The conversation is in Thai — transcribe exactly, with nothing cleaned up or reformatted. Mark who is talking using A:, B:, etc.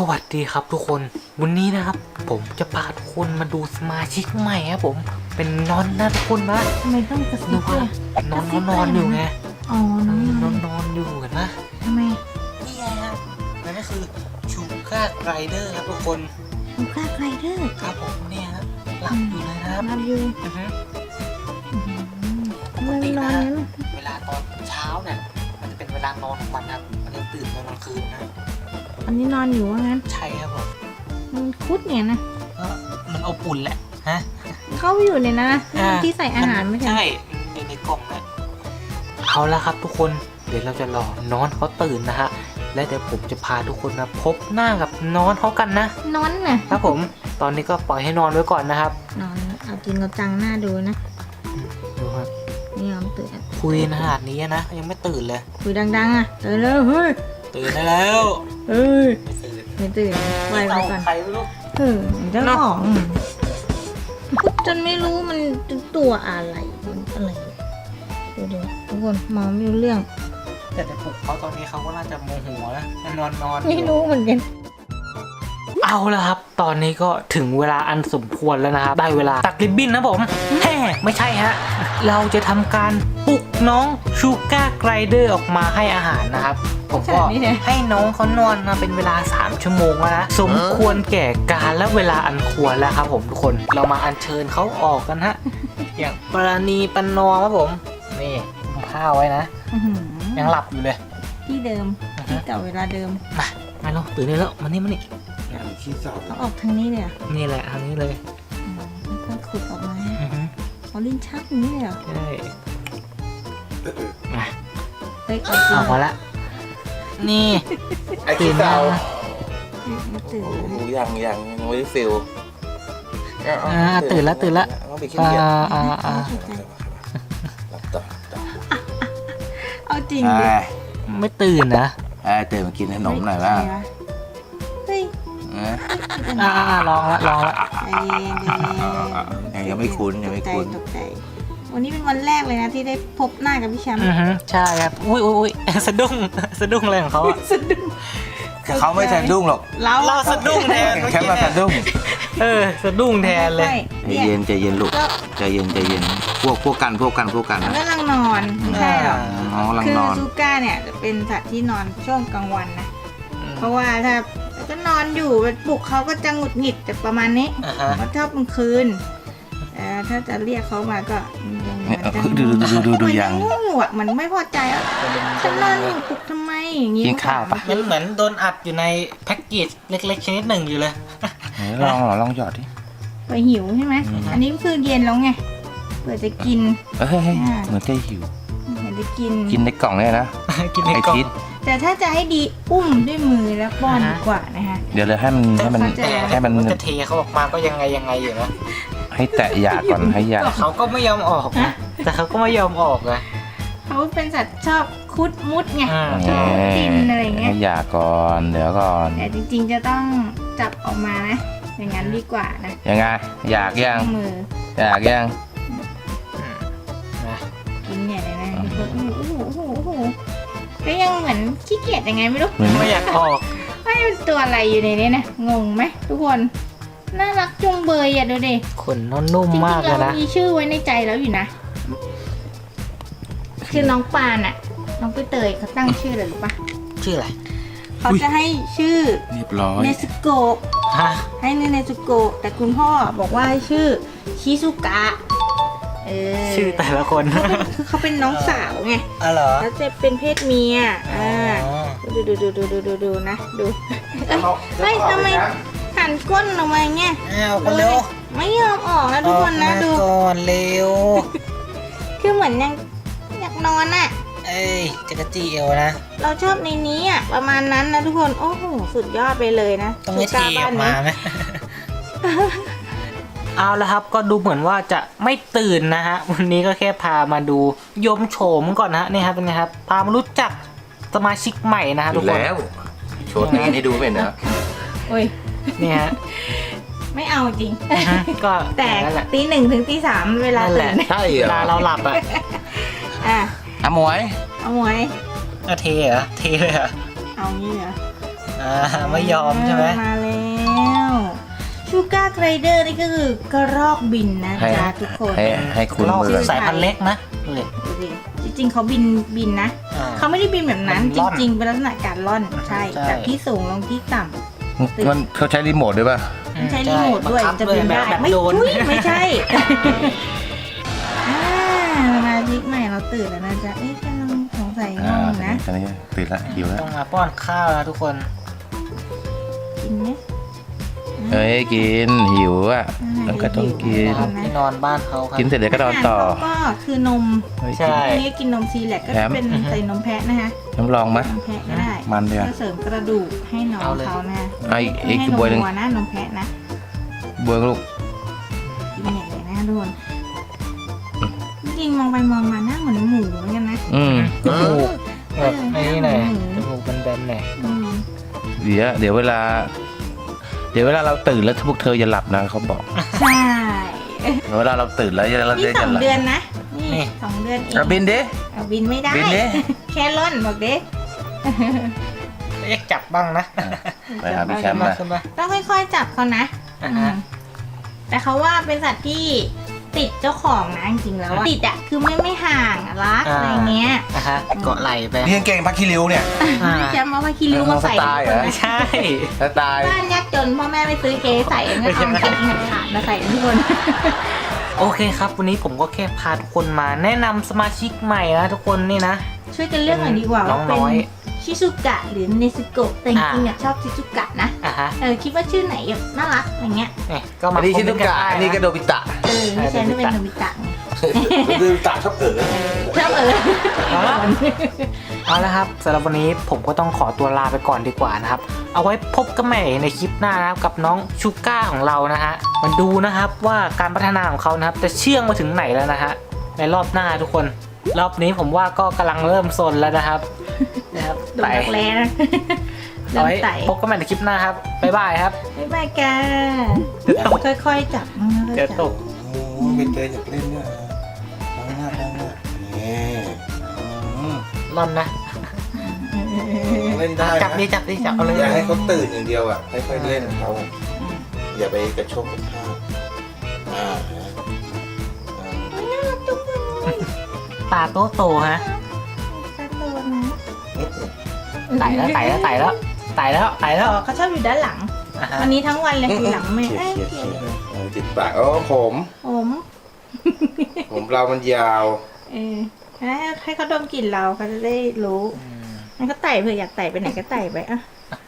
A: วัสดีครับทุกคนวันนี้นะครับผมจะพาทุกคนมาดูสมาชิกใหม่ครับผมเป็นนอนนะทุกคนนะ
B: ทำไมต้องกระซิ
A: ดู
B: บด้ว
A: ว่าย นอนนอนอยู่ไง
B: อ๋อนอน
A: นอนนอนอยู่กันนะ
B: ทำไม
A: นี่ไงครับนั่นก็คือชูก้าไรเดอร์ครับทุกคน
B: ลูก้าไกลเดอร์
A: ครับผมเนี่ยครับหลับอยู่เลยนะครับ
B: รับอยู่
A: อือฮึ
B: ทำไมมันนอนงั้น
A: เวลาตอนเช้าเนี่ยมันจะเป็นเวลานอนของมันครับมันจะตื่นตอนกลางคืนนะ
B: อันนี้นอนอยู่ว่างั้น
A: ใช่ครับผม
B: มันคุดเนี่ยนะ
A: ก็มันอบอุ่นแหละฮะ
B: เข้าไปอยู่ในนั้นนะที่ใส่อาหารไม่ใช่
A: ใช่ในในกล่องนะเอาละครับทุกคนเดี๋ยวเราจะรอน้องเขาตื่นนะฮะและเดี๋ยวผมจะพาทุกคนนะพบหน้ากับน้องเขากันนะ
B: นอนน่ะ
A: ครับผมตอนนี้ก็ปล่อยให้นอนไว้ก่อนนะครับ
B: นอนเอาจริงเอาจังหน้าดูนะ
A: ดูครับ
B: นี่ยอมตื่น
A: คุยขนาดนี้นะยังไม่ตื่นเลย
B: คุยดังๆอ่ะตื่นแล้วเฮ้ย
A: ตื่นได้แล้ว
B: เฮ้ย
A: ไม่ตื่น
B: ไม่ตื่นไวไป
A: เอา
B: ก่อน
A: ใครไม่รู้
B: เออเจ้าของพูดจนไม่รู้มันตัวอะไรมันอะไรดูดิทุกคนมองไม่รู้เรื่อง
A: แต่จะปลุกเขาตอนนี้เขาก็น่าจะโมโหนะนอนนอน
B: ไม่รู้เหมือนกัน
A: เอาละครับ ตอนนี้ก็ถึงเวลาอันสมควรแล้วนะครับได้เวลาตักริบบิ้นนะผมแฮ่ไม่ใช่ฮะเราจะทำการปลุกน้องชูก้าไกรเดอร์ออกมาให้อาหารนะครับผมก็ให้น้องเขานอนมาเป็นเวลาสามชั่วโมงแล้วนะสมควรแก่การและเวลาอันควรแล้วครับผมทุกคนเรามาอัญเชิญเขาออกกันฮะอย่างปราณีปนอมครับผมนี่ผมผ้าไว้นะ
B: อื้อหือ
A: ยังหลับอยู่เลย
B: ที่เดิมที่เก่าเวลาเดิม
A: มามาลงตื่นได้แล้วมานี่มานี่
B: เขาออกทางนี้เลยเหรอ่ะ
A: นี่แหละทางนี้เลย
B: ค่อยๆขุดออกมา
A: อือฮึ
B: เขาลิ้นชักอย่างนี้เลยเหรอ
A: ใช่มา
B: เฮ้ยเอาจริง
A: เอามาละนี่
C: ไอ้ขี้เต่า
B: ไม่ตื่น
C: โอ้โหยังยังยังไม่ได้ฟิล
A: อ่าตื่นแล้วตื่นแล้ว
C: ต้องไปขี้
A: อ่า
C: เกียจ
A: อ่าอ่า
C: หลับต่อต่อ
B: เอาจริง
C: ไอ้
B: ดิ
A: ไม่ตื่นนะ
C: ไอ้ตื่นมากินขนมหน่อยบ้าง
B: เฮ้ย
A: อ่าอ่าลองละลองละ
B: ใจเย็นใจเย็น
C: ยังยังไม่คุ้นยังไม่คุ้น
B: ตกใจวันนี้เป็นวันแรกเลยนะที่ได้พบหน้ากับพี่แชมป์
A: อือฮึใช่ครับอุ้ยอุ้ยอุ้ยสะดุ้งสะดุ้งอะไรของเขาอะ
B: สะดุ้ง
C: เขาไม่สะดุ้งหรอก
B: เรา
A: เราสะดุ้งแทน
C: แค่มาสะดุ้ง
A: เออสะดุ้งแทนเลย
B: ใช่
C: ใจเย็นใจเย็นลูก
B: ก็
C: ใจเย็นใจเย็นพวกพวกกันพวกกันพวกกัน
B: มัน
C: นะ
B: กำลังนอนไม่ใช่หรอก
C: น้องกำลัง
B: คือน
C: อน
B: ซูก้าเนี่ยจะเป็นสัตว์ที่นอนช่วงกลางวันนะ เพราะว่าถ้าก็นอนอยู่ปลุกเขาก็จะหงุดหงิดแต่ประมาณนี้
A: อ่าฮะ
B: เขาชอบกลางคืนแต่ถ้าจะเรียกเขามาก็ยังเหมือนจะ
C: ดูดูดูดูดูยัง
B: ง่วงหวดมันไม่พอใจอ่ะฉันนอนอยู่ปลุกทำไมอย่างงี้
C: กินข้าวปะ
A: มันเหมือนโดนอัดอยู่ในแพ็กเกจเล็กๆชนิดหนึ่งอยู่เลย
C: ไหนลองเหรอลองหยอดดิ
B: ไปหิวใช่ไหม
C: อืม
B: อันนี้คือเย็นแล้วไงเผื่อจะกิน
C: เอ้ยเหมือนจะหิว
B: เผื่อจะกิน
C: กินในกล่องเนี่ยนะ
A: กินใน
C: ไอก
A: ล่อง
C: ทิศ
B: แต่ถ้าจะให้ดีอุ้มด้วยมือแล้วป้อน
A: อ่าฮะ
B: ดีกว่านะคะ
C: เดี๋ยวเลยให้มันให้มัน
B: เข้าใจ
C: ให้มัน
A: จะเทเขาออกมาก็ยังไงยังไงอยู่นะ
C: ให้แตะหยาก่อนให้หยา
A: แต่เขาก็ไม่ยอมออกนะแต่เขาก็ไม่ยอมออกนะ
B: เขาเป็นสัตว์ชอบคุดมุดไง
A: อ่า
B: ชอบกินอะไรเงี้ย
C: ให้หยาก่อนเดี๋ยวก่อน
B: แต่จริงๆจะต้องจับออกมานะ อย่างนั้นดีกว่านะ
C: ยังไงอยากยัง
B: มือ
C: อยากยัง
A: นะ
B: กินเนี่ยเลยนะโอ้โหโอ้โหโอ้โหโอ้โหก็ยังเหมือนขี้เกียจยังไงไม่รู้
C: เหมือน
A: ไม่อยากออก
B: ไม่เป็นตัวอะไรอยู่ในนี้นะงงไหมทุกคนน่ารักจุงเบยอ่ะดูดิ
A: ขนนุ่ม
B: จริง
A: ๆมาก
B: ๆ
A: เลย
B: เรา
A: นะ
B: มีชื่อไว้ในใจแล้วอยู่นะคือน้องปานอ่ะน้องไปเตยเขาตั้งชื่อเลยหรือปะ
A: ชื่ออะไร
B: เขาจะให้ชื่อ
C: เรียบร้อย
B: เนซึโกะ
A: ฮะ
B: ให้เนซึโกะแต่คุณพ่อบอกว่าให้ชื่อชิซุกะเออ
A: ชื่อแต่ละคน
B: คือเขาเป็นน้องสาวไง
A: อ๋อเหรอ
B: แล้วจะเป็นเพศเมีย
A: อ๋
B: อ่า
A: อ
B: ดูดูดูดูดูดูดูนะดูเฮ้ยทำไมหันก้นออกมาเงี้ย
A: เอาคนเร็ว
B: ไม่ยอมออกนะทุกคนนะ
A: ออกมา
B: ดู
A: ก่อนเร็ว
B: คือเหมือนยังอยากนอนอ่ะ
A: เอ้ยจักรจี้เอวนะ
B: เราชอบในนี้อ่ะประมาณนั้นนะทุกคนโอ้โหสุดยอดไปเลยนะ
A: ต้องไม่เท
B: สุด
A: อ
B: บ้า
A: อน ก
B: นี้
A: มาไหม เอาละครับก็ดูเหมือนว่าจะไม่ตื่นนะฮะวันนี้ก็แค่พามาดูยมโฉมก่อนนะฮะนี่ครับเป็นไงครับพามารู้จักสมาชิกใหม่นะฮะ
C: อ
A: ทุก
C: ยู่
A: คน
C: แล้วโชว์หน้าให้ดูเป็นเหรอ
B: โอ้ย
A: นี่ฮะ
B: ไม่เอาจริง
A: อือฮึก็
B: แต่
A: นั่นแหละ
B: ตีหนึ่งถึงตีสามเวลา
A: นั่นแห
B: ตื่
A: ละ
B: น
C: ใช่เหร
A: เว
C: อ
A: ลาเราหลับอ่ะ
B: อ่ะ
C: อ่ะหมวย
B: เอาหมวย
A: อะเทเหรอเทเลยเหรอ
B: เอางี้เหรอ
A: อ่าไม่ยอมใช่ไหม
B: มาแล้วชูการ์ไกรเดอร์นี่ก็คือกระรอกบินนะ
C: ให้
B: จ๊ะทุกคน
C: ให้ให้คุณ
A: รอบ
C: มือ
A: สายพันธุ์เล็กนะเลย
B: ดูดิจริงๆเขาบินบินนะ
A: อ่า
B: เขาไม่ได้บินแบบนั้น
A: มัน
B: จ
A: ล่อน
B: ริง ๆ เป็นลักษณะการล่อนใช่
A: ใช่
B: จากที่สูงลงที่ต่ำ
C: มันเขาใช้รีโมทด้วยป่ะ
B: มันใช้รีโมทด้วย
A: บังคับ
B: จะบินได้
A: แบบ
B: ไม่
A: โดน
B: ทุยไม่ใช่ อ่าสมาชิกใหม่เราตื่นแล้วนะจ๊ะเอ๊ะกำลังสงสัยง่
C: อ่าว
B: งนะ
C: ตอนนี้ตื่นละหิวแล้ว
A: ต้องมาป้อนข้าวแล้วทุกคน
B: กินไหม
C: เฮ้ยกินหิวอ่ะ
B: อ่า
C: มันก็ต้องกิน
A: นะครับที่นอนบ้านเขาครับ
C: กินเสร็จเดี๋ยวก็นอนต่อ
B: อาหารเขาก็คือนม
C: เฮ้ย
A: ใช่
B: อันนี้กินนมซีแลกก็
C: แถ
B: จะ
C: ม
B: เป็นใส่นมแพะนะคะ
C: น้ำลองไหม
B: นมแพะก็ได้
C: มันเดียว
B: ก็เสริมกระดูกให้น้องเขานะ
C: เอาอีกอีก
B: ให้นม
C: บวยหนึ่ง
B: วัวนะนมแพะนะ
C: บวยลูก
B: กินใหญ่เลยนะทุกคนจริงๆมองไปมองมาหน้าเหมือนหมูเหมือนกันนะ
C: อืม
A: จมูกแบบ
B: เออ
A: ไอ้นี่หน่อย
B: อืม
A: จมูกแบนๆหน่อย
B: อืม
C: เดี๋ยวเดี๋ยวเวลา เดี๋ยวเวลาเราตื่นแล้วพวกเธออย่าหลับนะเขาบอก
B: ใช่
C: เวลาเราตื่นแล้วเรา
B: นี่
C: จะ
B: สอง
C: หลับ
B: เดือนนะนี่สองเดือนเอง
C: อ่ะบินดิ
B: เอาบินไม่ได้
C: บินดิ
B: แค่ล่อนบอกเด็ก
A: เรียกจับบ้างนะ
C: ไปหาพี่แคมป์
A: มา
C: มา
A: ขึ้นมา
B: ต้องค่อยๆจับเขานะ
A: อ่า
B: อื
A: ฮะ
B: มแต่เขาว่าเป็นสัตว์ที่ติดเจ้าของนะจริงๆแล้วอะติดอะคือไม่ไม่ห่างอะรักอะไรเงี้ย
A: อ่ะฮะเกาะไหลไป
C: นี่ยังเก่งพักคิริวเนี่ย
A: อ่า
B: พี่แชมป์เอาผ้าคีริ้วมาใส่
C: สไตล์เหรอ
A: ไม่ใช่
C: ถ้าตาย
B: บ้านยากจนพ่อแม่ไม่ซื้อเก๋ใส่ก็เอาเก๋หัดขาดมาใส่ทุกคน
A: โอเคครับ วันนี้ผมก็แค่พาทุกคนมาแนะนำสมาชิกใหม่นะทุกคนนี่นะ
B: ช่วยกันเลือกหน่อยดีกว่า
A: น้
B: ว่า
A: อง
B: เป็น
A: น้อย
B: ชิซุกะหรือเนซุโกะแต่จริงๆอะชอบชิซุกะนะ
A: อ่ะฮะ
B: เออคิดว่าชื่อไหนแบบน่ารักอย่างเงี้ย
A: นี่ก็มา
C: อันนี้ชิ
A: ค
C: นุ
A: มเมต์
C: กะ
A: ได้
C: อันนี้ก็โดบิตะ
B: เออไม่ใช่ไม่เป็นโนบิตะไง
C: โดบิตะชอบเอ๋อ
B: ชอบเออ
A: เอาละครับสำหรับวันนี้ผมก็ต้องขอตัวลาไปก่อนดีกว่านะครับ เอาไว้พบกันใหม่ในคลิปหน้านะครับกับน้องชูก้าของเรานะฮะมาดูนะครับว่าการพัฒนาของเขานะครับจะเชื่องมาถึงไหนแล้วนะฮะในรอบหน้าทุกคน รอบนี้ผมว่าก็กำลังเริ่มซนแล้วนะครับนะครับ
B: โดนดักแร้นะ
A: เอาไว้
B: เริ่มไต่
A: พบกันใหม่ในคลิปหน้าครับบ๊ายบายครับ
B: บ๊ายบายกัน
A: เดี๋ยวตก
B: ค่อยๆจับนะค่อยๆ
A: เดี๋ยว
B: จับ
A: ตก
C: โอ้ใบเตยอยากเล่นด้วยล้างหน้าล้างหน้านี่อืม
A: ร่อนนะ
C: เล่นได้
A: จับดิจับดิจับเอาเลย
C: อย่าให้เขาตื่นอย่างเดียวอ่ะค่อยๆเล่นเขาอย่าไปกระโชกกระชากอ่าอ่า
A: ตาโตโตฮะ
B: กระโดดนะ
A: ไต่แล้วไต่แล้วไต่แล้วไต่แล้วไต่แล้ว
B: อ๋อเขาชอบอยู่ด้านหลัง
A: อ่ะฮะ
B: วันนี้ทั้งวันเลยอยู่หลังแม่
C: เขี่ย
B: เอ้ย
C: เขี่ยเขี่ยเออติดปากอ๋อผม
B: ผม
C: ผมเรามันยาว
B: เออให้ให้เขาดมกลิ่นเราเขาจะได้รู้งั้นก็ไต่เผื่ออยากไต่ไปไหนก็ไต่ไปอ่ะ
A: อ่ะ